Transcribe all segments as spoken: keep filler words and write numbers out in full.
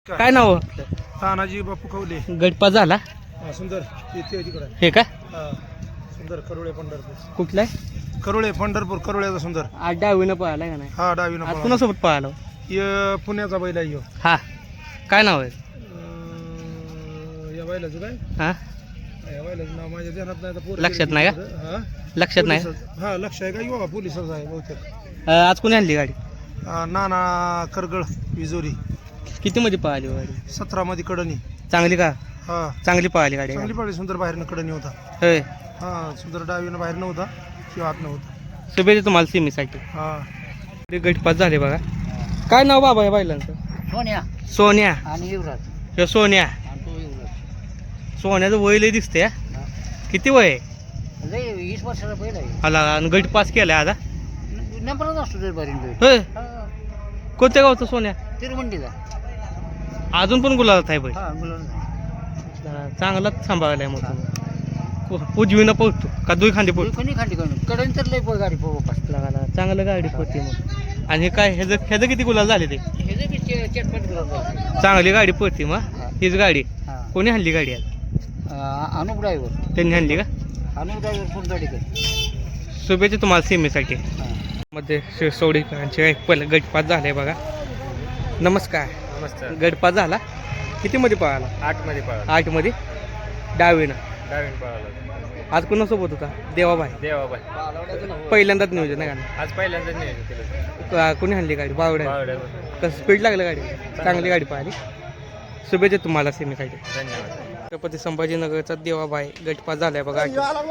काय नाव तानाजी बापू कवले. गटपा झाला हा, सुंदर येते तिकडे. हे का हा, सुंदर करुळे पंढरपूर. कुठलाय करुळे पंढरपूर करुळ्याचा सुंदर. आज डावीनं पळाला का नाही हा डावीनं आज पळाला. कुणासोबत पळाला य पुण्याचा बैल आहे ह्यो. हा काय नाव आहे अं, या बैलाचं काय हा या बैलाचं नाव माझ्या ध्यानात नाही आता. पोरं लक्षात गेली नाही का? तिकडं. हा? लक्षात नाही पोलिसाचं- हा लक्ष आहे का युवा पोलिसाचा आहे बहुतेक. अं, आज कोणी आणली गाडी अं, नाना करगळ विजोरी. किती मध्ये पळाली हो गाडी सतरा मध्ये कडणी. चांगली का हा चांगली पळाली गाडी चांगली पाळी. सुंदर बाहेरनं कडणी होता. होय हा सुंदर डावीनं बाहेर नव्हता किंवा आत नव्हता. शुभेच्छा तुम्हाला सिमीसाठी हा गटपास झाले बघा. काय नाव बाबा या बैलांचं सोन्या सोन्या आणि युवराज ह्यो सोन्या आणि तो युवराज सोन्याचं वय लय दिसते किती वय आहे? लय वीस वर्षाचा बैल आहे. आला आणि गटपास केलाय आता नंबरच असतो ते बरीन बैल. होय कोणत्या गावचं सोन्या तिरुमंडीचा. अजून पण गुलाबात आहे बैल हा मुलांना चांगलाच सांभाळलाय मग तुम्ही. उजवीनं पळतो का दुई खांदी पळतो कोणी खांडी करून कडून तर लय पोय गाडी पोपास. लागायला चांगलं गाडी पळते मग. आणि हे काय ह्याचं ह्याचं किती गुलाल झाले ते हे जे बी चे- चटपट गुलाब. चांगली गाडी पळते मग हा. हीच गाडी हा कोणी आणली गाडी आज अं, अनुप ड्रायव्हर त्यांनी आणली का अनुप ड्रायव्हर कोण गाडी कर. शुभेच्छा तुम्हाला सीमेसाठी हा मध्ये शिरसवडीकरांचे एक पहिलं गटपात झाले बघा. नमस्कार नमस्कार. गटपात झाला किती मध्ये पळाला आठ मध्ये पळाला. आठ मध्ये डावीनं डावीन पळाला. आज कोणासोबत होता देवाबाई देवाबाई पहिल्यांदाच नियोजन आहे का आज पहिल्यांदा नियोजन केलं. का- कोणी आणली गाडी बावड्या बावड्यावर. कसं स्पीड लागलं गाडी चांगली गाडी पाहिली. शुभेच्छा तुम्हाला सीमेसाठी. धन्यवाद. छत्रपती संभाजीनगरचा देवाबाई गटपास झालाय बघा.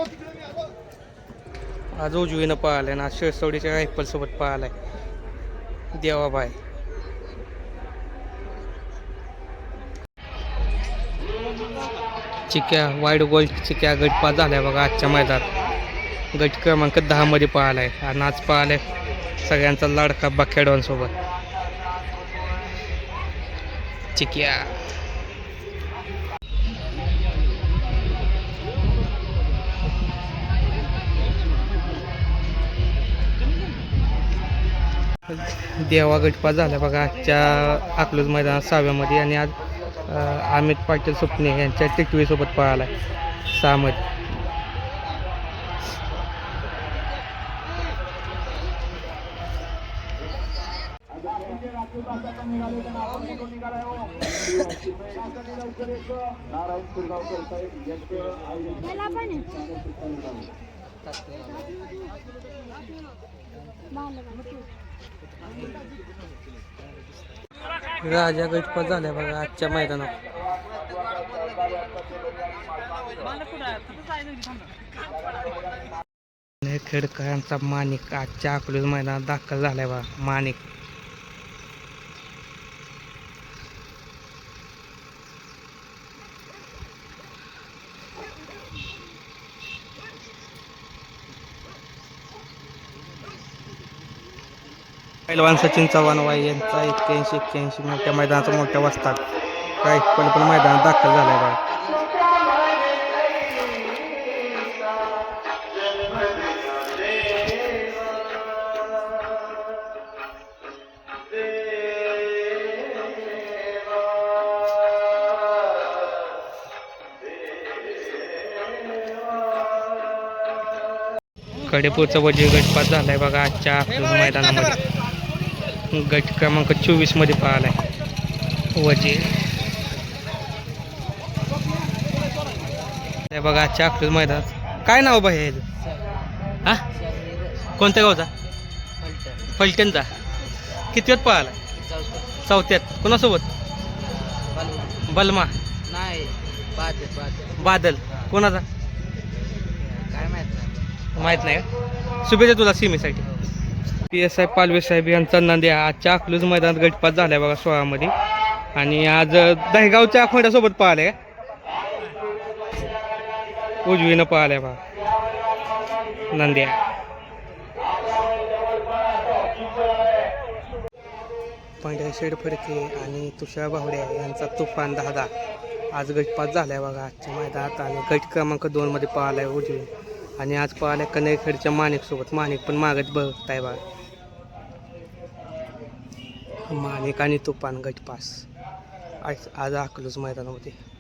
आज उजवीनं पळालाय ना आज शिरसवडीच्या रायफल सोबत पळालाय देवाबाई. चिक्या वाईड गोल्ड चिक्या गटपास झालाय बघा आजच्या मैदानात. गट क्रमांक दहा मध्ये पळालाय आणि आज पळालाय सगळ्यांचा लाडका बखेडवांसोबत चिक्या. देवा गटपास झाला बघा आजच्या अकलूज मैदानात सहाव्यामध्ये. आणि आज अं, अमित पाटील सुपणे यांच्या टिटवीसोबत पळाला सहामध्ये. राजा गटपास झाल्या बघा आजच्या मैदानात. खेडकरांचा माणिक आजच्या अकलूज मैदानात दाखल झालाय बघा. माणिक पैलवान सचिन चव्हाण वाई यांचा एक्क्याऐंशी एक्क्याऐंशी मोठ्या मैदानाचा मोठ्या वाजतात काय पण पण मैदानात दाखल झालाय बघा. कडेपूरचा वजीर गटपास झालाय बघा आजच्या अकलूज मैदानामध्ये. गट क्रमांक चोवीस मध्ये पळालाय वजीर. हे बघा आजच्या अकलूज मैदानात. काय नाव बाई ह्याचं हा कोणत्या गावचा फलटणचा. किती वेळ पळाला चौथ्यात कोणासोबत बलमा नाही बादल बादल कोणाचा काय माहित माहित नाही का. शुभेच्छा तुला सीमेसाठी. पी एस आय पालवे साहेब यांचा नांद्या आजच्या अकलूज मैदानात गटपास झालाय बघा सोळामध्ये. आणि आज दहेगावच्या खोंड्यासोबत पळालाय उजवीनं पळालाय बघा नांद्या. पांढऱ्या शेड फडके आणि तुषार बावड्या यांचा तुफान दादा आज गटपास झालाय बघा आजच्या मैदानात. आणि गट क्रमांक दोन मध्ये पळालाय उजवी. आणि आज पळाल्या कनेरखेडच्या माणिक सोबत. माणिक पण मागत बघताय बघा. माणिक आणि तुफान गटपास. आज आज अकलूज मैदानामध्ये